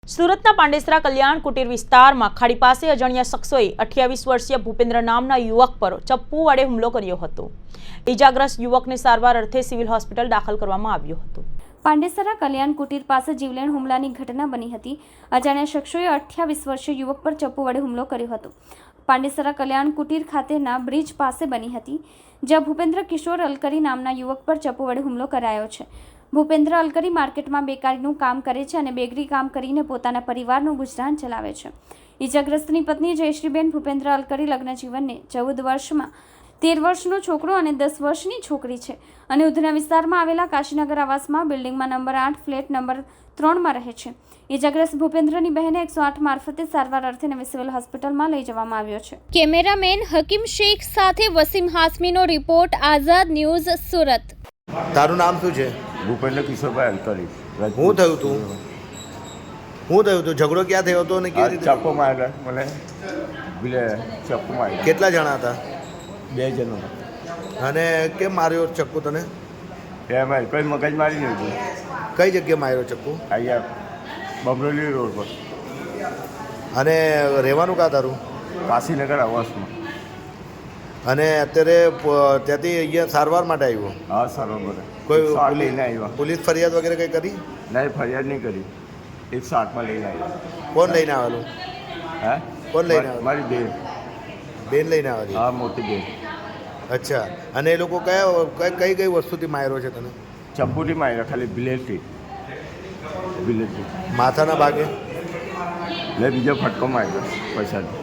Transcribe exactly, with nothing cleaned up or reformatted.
સુરતના પાંડેસરા કલ્યાણ કુટીર વિસ્તારમાં ખાડી પાસે અજાણ્યા શખ્સોએ અઠ્યાવીસ વર્ષીય ભૂપેન્દ્ર નામના યુવક પર ચપ્પુ વડે હુમલો કર્યો હતો। ઈજાગ્રસ્ત યુવકને સારવાર અર્થે સિવિલ હોસ્પિટલ દાખલ કરવામાં આવ્યો હતો। પાંડેસરા કલ્યાણ કુટીર પાસે જીવલેણ હુમલાની ઘટના બની હતી। અજાણ્યા શખ્સોએ અઠ્યાવીસ વર્ષીય યુવક પર ચપ્પુ વડે હુમલો કર્યો હતો। પાંડેસરા કલ્યાણ કુટીર ખાતેના બ્રિજ પાસે બની હતી, જ્યાં ભૂપેન્દ્ર કિશોર અલકરી નામના યુવક પર ચપ્પુ વડે હુમલો કરાયો છે। ભૂપેન્દ્ર અલકરી માર્કેટમાં બેકારીનું કામ કરે છે અને બેકરી કામ કરીને પોતાના પરિવારનું ગુજરાન ચલાવે છે। ઈજાગ્રસ્તની પત્ની જયશ્રીબેન ભૂપેન્દ્ર અલકરી લગ્ન જીવનને ચૌદ વર્ષમાં તેર વર્ષનો છોકરો અને દસ વર્ષની છોકરી છે અને ઉધના વિસ્તારમાં આવેલા કાશીનગર આવાસમાં બિલ્ડિંગમાં નંબર આઠ ફ્લેટ નંબર ત્રણમાં રહે છે। ઈજાગ્રસ્ત ભૂપેન્દ્રની બહેને એકસો આઠ મારફતે સારવાર અર્થે નવી સિવિલ હોસ્પિટલમાં લઈ જવામાં આવ્યો છે। કેમેરામેન હકીમ શેખ સાથે વસીમ હાસમીનો રિપોર્ટ, આઝાદ ન્યૂઝ, સુરત। તારું નામ શું છે? ભૂપેન્દ્ર કિશોરભાઈ અલકરી। હું થયું તું હું થયું તું ઝઘડો ક્યાં થયો હતો અને કેવી રીતે? ચપ્પુ માર્યા મને, બિલે ચપ્પુ માર્યા। કેટલા જણા હતા? બે જણો। અને કેમ માર્યો ચક્કુ તને? એમાં કોઈ મગજ મારી નહીં હતું। કઈ જગ્યાએ માર્યો ચક્કુ? અહીંયા બમરોલી રોડ પર। અને રહેવાનું કાં તારું? કાશીનગર આવાસમાં। અને અત્યારે પ- ત્યાંથી અહીંયા સારવાર માટે આવ્યો? હા સરોવર કોઈ એકસો આઠ પોલીસ લઈને આવ્યા? પોલીસ ફરિયાદ વગેરે કંઈ કરી? નહીં, ફરિયાદ નહીં કરી। એકસો આઠમાં લઈને આવ્યા। કોણ લઈને આવેલું? હે કોણ લઈને આવેલું? મારી બેન। બેન લઈને આવેલી? હા, મોટી બેન। અચ્છા। અને એ લોકો કયા કઈ કઈ કઈ વસ્તુથી માર્યો છે તને? ચપ્પુથી માર્યા, ખાલી બિલેટથી બિલેટથી માથાના ભાગે? એટલે બીજો ફટકો માર્યો પૈસાથી।